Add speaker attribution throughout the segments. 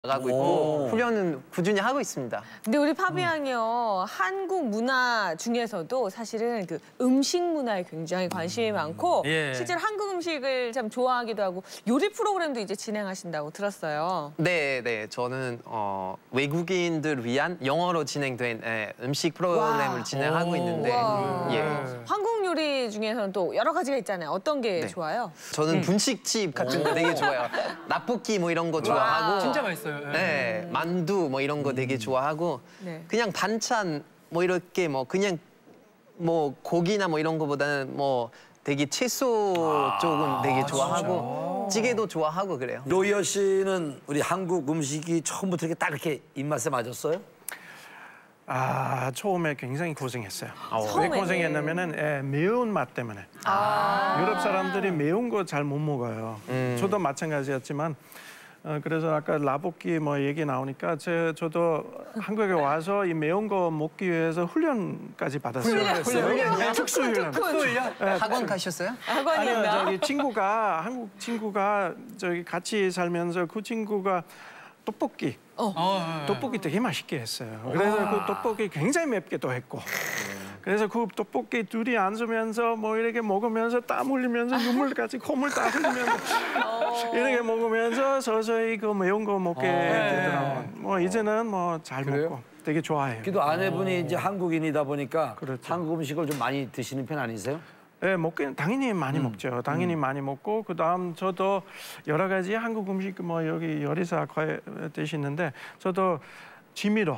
Speaker 1: 가고 있고 훈련은 꾸준히 하고 있습니다.
Speaker 2: 근데 우리 파비앙이요, 한국 문화 중에서도 사실은 그 음식 문화에 굉장히 관심이 많고 실제로 한국 음식을 참 좋아하기도 하고 요리 프로그램도 이제 진행하신다고 들었어요.
Speaker 1: 네. 저는 외국인들 위한 영어로 진행된 음식 프로그램을 진행하고 있는데
Speaker 2: 한국 요리 중에서는 또 여러 가지가 있잖아요. 어떤 게 좋아요?
Speaker 1: 저는 분식집 같은 거 되게 좋아해요. 라볶이 뭐 이런 거 좋아하고
Speaker 3: 진짜 맛있어요.
Speaker 1: 네, 만두 뭐 이런 거 되게 좋아하고 그냥 반찬 뭐 이렇게 뭐 그냥 뭐 고기나 뭐 이런 거보다는 뭐 되게 채소 쪽은 되게 좋아하고 찌개도 좋아하고 그래요.
Speaker 4: 로이어 씨는 우리 한국 음식이 처음부터 이렇게 딱 이렇게 입맛에 맞았어요?
Speaker 5: 처음에 굉장히 고생했어요.
Speaker 2: 처음에는.
Speaker 5: 왜 고생했냐면은 매운맛 때문에. 유럽 사람들이 매운 거 잘 못 먹어요. 저도 마찬가지였지만 그래서 아까 라볶이 뭐 얘기 나오니까 저도 한국에 와서 이 매운 거 먹기 위해서 훈련까지 받았어요. 훈련? 특수 훈련.
Speaker 1: 학원 가셨어요?
Speaker 5: 아니요, 저기 친구가 한국 친구가 저기 같이 살면서 그 친구가 떡볶이 되게 맛있게 했어요. 그래서 그 떡볶이 굉장히 맵게 또 했고. 그래서 그 떡볶이 둘이 앉으면서 뭐 이렇게 먹으면서 땀 흘리면서 눈물까지 콧물 다 흘리면서 이렇게 먹으면서 서서히 그 매운 거 먹게 되더라고요. 뭐 이제는 뭐 잘 먹고 되게 좋아해요.
Speaker 4: 그래도 아내분이 이제 한국인이다 보니까
Speaker 5: 그렇죠.
Speaker 4: 한국 음식을 좀 많이 드시는 편 아니세요?
Speaker 5: 네, 먹긴 당연히 많이 먹죠. 당연히 많이 먹고 그다음 저도 여러 가지 한국 음식 뭐 여기 요리사 되시는데 저도 취미로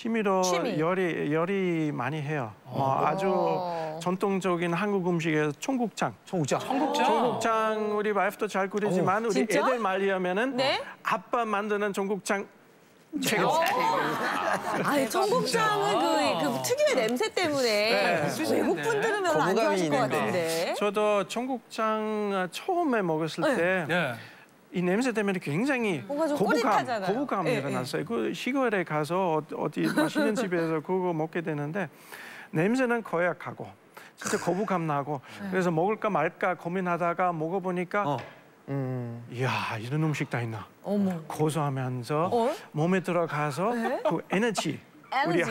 Speaker 5: 요리 많이 해요. 아주 전통적인 한국 음식에서 청국장 우리 와이프도 잘 끓이지만 우리
Speaker 2: 진짜?
Speaker 5: 애들 말리려면은 아빠 만드는 청국장 최고.
Speaker 2: 아니, 청국장은 그 특유의 냄새 때문에 외국 분들은 별로 안 좋아하실 것 같은데.
Speaker 5: 저도 청국장 처음에 먹었을 때 이 냄새 때문에 굉장히 거부감 일어났어요. 그 시골에 가서 어디 맛있는 집에서 그거 먹게 되는데 냄새는 거약하고 진짜 거부감 나고 그래서 먹을까 말까 고민하다가 먹어보니까 이야, 이런 음식 다 있나. 고소하면서 몸에 들어가서 그 에너지. 우리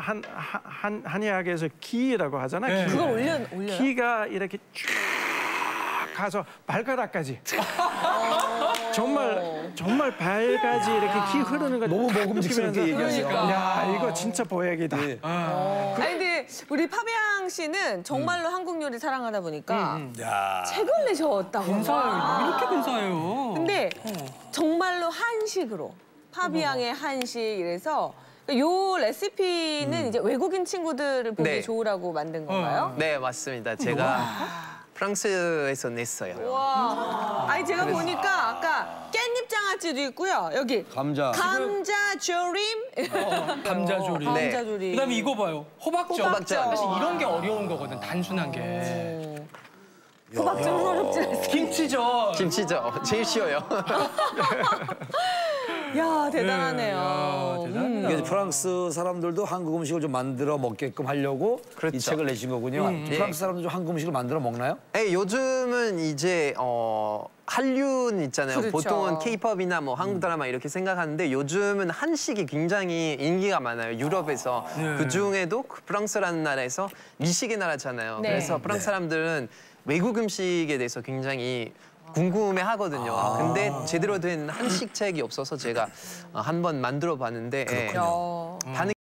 Speaker 5: 한의학에서 기라고 하잖아요.
Speaker 2: 그걸 올려요?
Speaker 5: 기가 이렇게 쭉 가서 발가락까지. 정말 발까지 이렇게 기 흐르는 거
Speaker 4: 너무 먹음직스럽게 얘기하니까.
Speaker 5: 야, 이거 진짜 보약이다.
Speaker 2: 아니 근데 우리 파비앙 씨는 정말로 한국 요리 사랑하다 보니까 책을 내셨다고.
Speaker 3: 근사해요. 이렇게 근사해요.
Speaker 2: 근데 정말로 한식으로 파비앙의 한식 이래서 요 레시피는 이제 외국인 친구들을 보기 좋으라고 만든 건가요?
Speaker 1: 네, 맞습니다. 제가 프랑스에서 냈어요.
Speaker 2: 와, 아니 제가 보니까 아까 깻잎 장아찌도 있고요. 여기 감자 조림.
Speaker 3: 감자조림.
Speaker 2: 감자조림.
Speaker 3: 그다음에 이거 봐요. 호박전.
Speaker 1: 호박전.
Speaker 3: 사실 이런 게 어려운 거거든. 단순한 게.
Speaker 2: 호박전 어렵지 않습니다.
Speaker 3: 김치전.
Speaker 1: 제일 쉬워요.
Speaker 2: 야, 대단하네요.
Speaker 3: 야, 대단하다.
Speaker 4: 이게 프랑스 사람들도 한국 음식을 좀 만들어 먹게끔 하려고 이 책을 내신 거군요. 프랑스 사람들 좀 한국 음식을 만들어 먹나요?
Speaker 1: 네, 요즘은 이제 한류는 있잖아요.
Speaker 2: 그렇죠.
Speaker 1: 보통은 K-팝이나 뭐 한국 드라마 이렇게 생각하는데 요즘은 한식이 굉장히 인기가 많아요. 유럽에서. 그중에도 프랑스라는 나라에서 미식의 나라잖아요. 그래서 프랑스 사람들은 외국 음식에 대해서 굉장히 궁금해 하거든요. 근데 제대로 된 한식 책이 없어서 제가 한번 만들어 봤는데 반응이